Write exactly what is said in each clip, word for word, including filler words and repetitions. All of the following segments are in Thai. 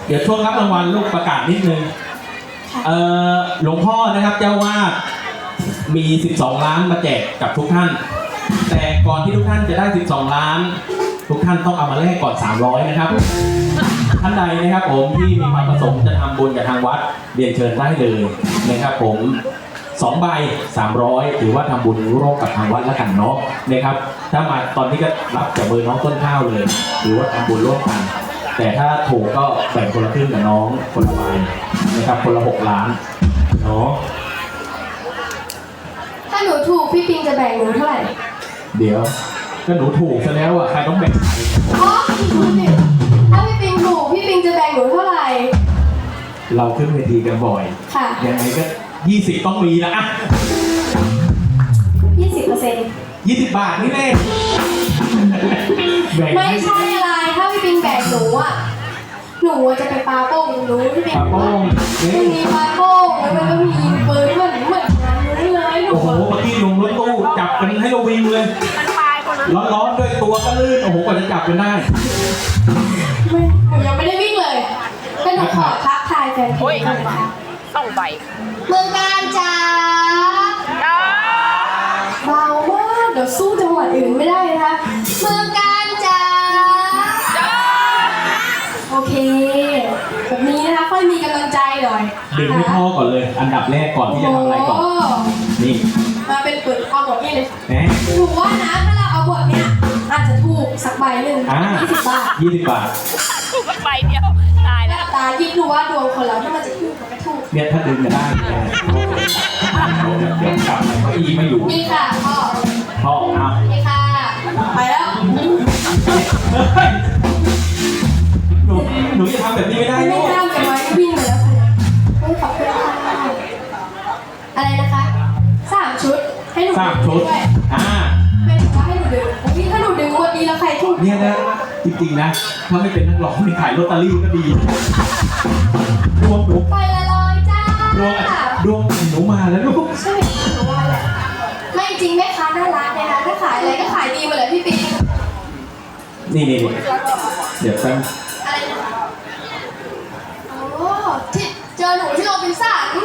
เดี๋ยวช่วงรับรางวัลลูกประกาศนิดนึงเอ่อหลวงพ่อนะครับเจ้าวาดมีสิบสองล้านมาแจกกับทุกท่านแต่ก่อนที่ทุกท่านจะได้สิบสองล้านทุกท่านต้องเอามาแลกก่อนสามร้อยนะครับท่านใดนะครับผมที่มีความประสงค์จะทำบุญกับทางวัดเรียนเชิญได้เลยนะครับผมสองใบสามร้อยถือว่าทำบุญร่วมกับทางวัดแล้วกันเนาะนะครับถ้ามาตอนนี้ก็รับจากเบอร์น้องต้นข้าวเลยหรือว่าทำบุญร่วมกันแต่ถ้าถูกก็แบ่งคนละครึ่งกับน้องคนละใบนะครับคนละหกล้านเนาะถ้าหนูถูกพี่ปิงจะแบ่งหนูเท่าไหร่เดี๋ยวก็หนูถูกซะแล้วอ่ะใครต้องแบ่งอ๋อถูกสิถ้าพี่ปิงถูกพี่ปิงจะแบ่งหนูเท่าไหร่เราขึ้นเวทีกันบ่อยค่ะยังไงก็ยี่สิบต้องมีนะอ่ะยี่สิบเปอร์เซ็นต์ยี่สิบบาทนี่แน่ไม่ใช่อะไรถ้าพี่ปิงแบ่งหนูอ่ะหนูจะไปปาโป้งหนูพี่ปิงปาโป้งมันมีปาโป้งแล้วมันก็มีปืนเหมือนเหมือนงานนู้นเลยหนูโอ้โหเมื่อกี้ลงรถตู้จับกันให้เราวิ่งเลยร้อนๆด้วยตัวก็ลื่นโอ้โหกว่าจะจับกันได้ไม่หนูยังไม่ได้วิ่งเลยแต่หนูขอทักทายแฟนเพลงนะคะต้องใบเมืองการจ้าเบามากเดี๋ยวสู้จังหวัดอื่นไม่ได้นะคะเมืองการจ้าโอเคแบบนี้นะคะค่อยมีกำลังใจหน่อยดื่มให้พ่อก่อนเลยอันดับแรกก่อนที่จะทำอะไรก่อนนี่มาเป็นเปิดเอาบทนี้เลยแหมถูกว่านะถ้าเราเอาบทเนี้ยอาจจะถูกสักใบหนึ่งยี่สิบบาทยี่สิบบาทถูกใบเดียวตายแล้วตายิ่งดูว่าดวงคนเราที่มันจะถูกกับไม่ถูกเนี่ยถ้าดึงจะได้เดี๋ยวกลับไปอีไม่อยู่นี่ค่ะพ่อพ่อเอานี่ค่ะไปแล้วหนูหนูจะทำแบบนี้ไม่ได้ไม่ห้ามกันไว้วิ่งไปแล้วค่ะไม่ขอบคุณค่ะอะไรนะคะสามชุดให้หนูสามชุดอ่าไม่ถือว่าให้หนูดึงนี่ถ้าหนูดึงวันนี้แล้วใครถูกเนี่ยนะจริงๆนะถ้าไม่เป็นนักร้องไม่ขายลอตเตอรี่ก็ดีดวงหนูไปละลอยจ้าดวงดวงหนูมาแล้วลูกใช่หนูว่าแหละไม่จริงแม่ค้าน่ารักนะคะถ้าขายอะไรก็ขายดีหมดเลยพี่ปิ๊กนี่นี่เดี๋ยวตั้งอะไรนะโอ้ที่เจอหนูที่โรบินสัน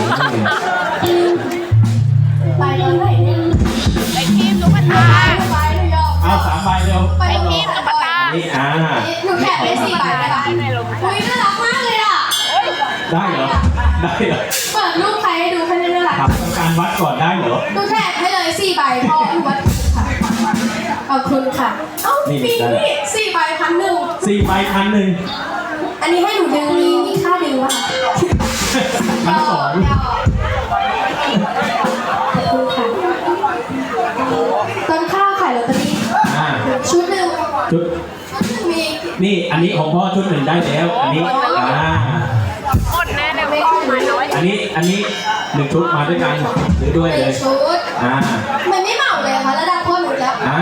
ไปตอนไหนเนี่ยไปทีมตุ๊กตาไปหนูยอมเอาสามใบเร็วไปทีมตุ๊กตานี่อ่าหนูแคปได้สี่ใบไหมคะอุ้ยน่ารักมากเลยอ่ะได้เหรอได้เหรอเปิดรูปใครให้ดูแค่นี้น่ารักทำการวัดก่อนได้เหรอหนูแคปให้เลยสี่ใบพอวัดค่ะขอบคุณค่ะเอ้าปีนี่สี่ใบพันหนึ่งสี่ใบพันหนึ่งอันนี้ให้หนูดึงมีมีค่าดึงวะพันสองขอบคุณค่ะต้นข้าวขายลอตเตอรี่ชุดหนึ่งชุดชุดหนึ่งมีนี่อันนี้ของพ่อชุดหนึ่งได้แล้วอันนี้อ่าหมดแน่เลยไม่ต้องมาน้อยอันนี้อันนี้หนึ่งชุดมาด้วยกันหรือด้วยเลยชุดอ่ามันไม่เหมาเลยค่ะระดับพ่อหนูแล้วอ่า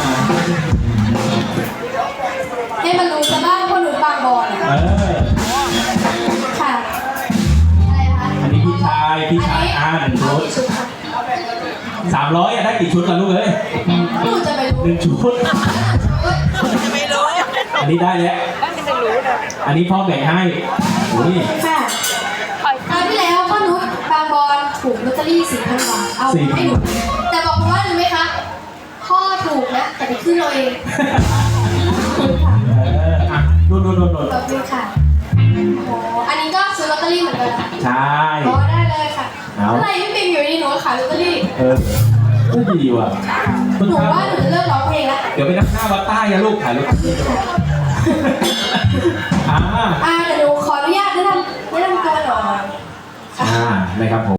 ให้มันรู้ซะบ้างพ่อหนูบางบอลเออค่ะอะไรคะอันนี้พี่ชายพี่ชายอ่าหนึ่งชุดสามร้อยอะได้กี่ชุดล่ะลูกเอ้ยหนูจะไปรู้หนึ่งชุดจะไม่รู้อันนี้ได้แล้วไม่รู้เลยอันนี้พ่อแบ่งให้โอ้ยค่ะคราวที่แล้วพ่อนุชบางบอลถูกลอตเตอรี่สี่พันบาทเอาให้หนูแต่บอกว่ารู้ไหมคะพ่อถูกนะแต่ไปขึ้นเราเองเอออ่ะโดนโดนโดนโดนขอบคุณค่ะโอ้อันนี้ก็ซื้อลอตเตอรี่เหมือนกันใช่อ๋อได้เลยค่ะอะไรพี่ปิงอยู่ดีหนูขายลอตเตอรี่เออก็ดีว่ะหนูว่าหนูจะเลิกร้องเพลงแล้วเดี๋ยวไปนั่งหน้าวัดใต้ยาลูกขายลอตเตอรี่อ่าอ่าเดี๋ยวหนูขออนุญาตแนะนำแนะนำตัวหน่อยอ่านะครับผม